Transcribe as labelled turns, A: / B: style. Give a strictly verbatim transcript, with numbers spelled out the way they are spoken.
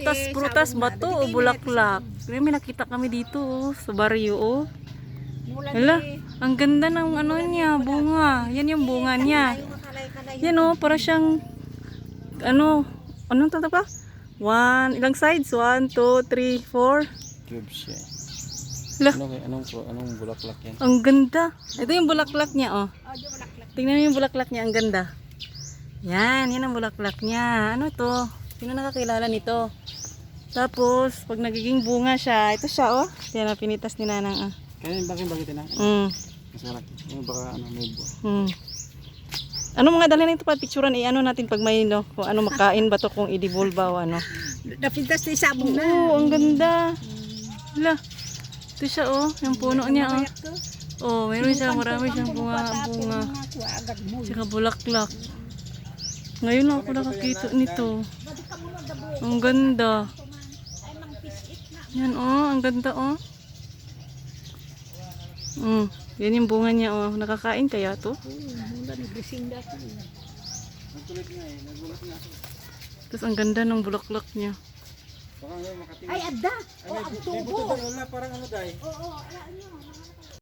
A: prutas, prutas ba to o bulaklak? Kaya may nakita kami dito oh, sa baryo oh. Hala, ang ganda ng ano niya, bunga. Yan yung bunga niya. Yan oh, para siyang ano, anong tawag pa? One, ilang sides? One, two, three, four.
B: Tubes siya.
A: Hala,
B: Ano kay anong anong bulaklak yan?
A: ang ganda. Ito yung bulaklak niya oh. Tingnan mo yung bulaklak niya, ang ganda. Yan, yan ang bulaklak niya. Ano to? Sino nakakilala nito? Tapos, pag nagiging bunga siya, ito siya oh. Yan na pinitas ni Nanang ah.
B: Kaya bakit bakit na?
A: Mm.
B: Mas malaki. Yung baka ano may bu.
A: Hmm. Ano mga dalhin nito pa picturean eh ano natin pag may no kung ano makain ba to kung i-devolve ba o ano.
C: Napintas na yung sabong na.
A: Oo, ang ganda. Hala. Ito siya oh, yung puno niya oh. Oh, mayroon siya marami siyang bunga bunga. Tsaka bulaklak. Ngayon lang ako nakakita nito. Ang ganda. Yan oh, ang ganda oh. Mm, yan yung bunga niya oh. Nakakain kaya to? Tapos ang ganda ng bulaklak niya.
B: Baka ngayon makatingin.
C: Ay, ada. O, ang tubo.
B: Wala parang ano dai.
C: Oo, ano.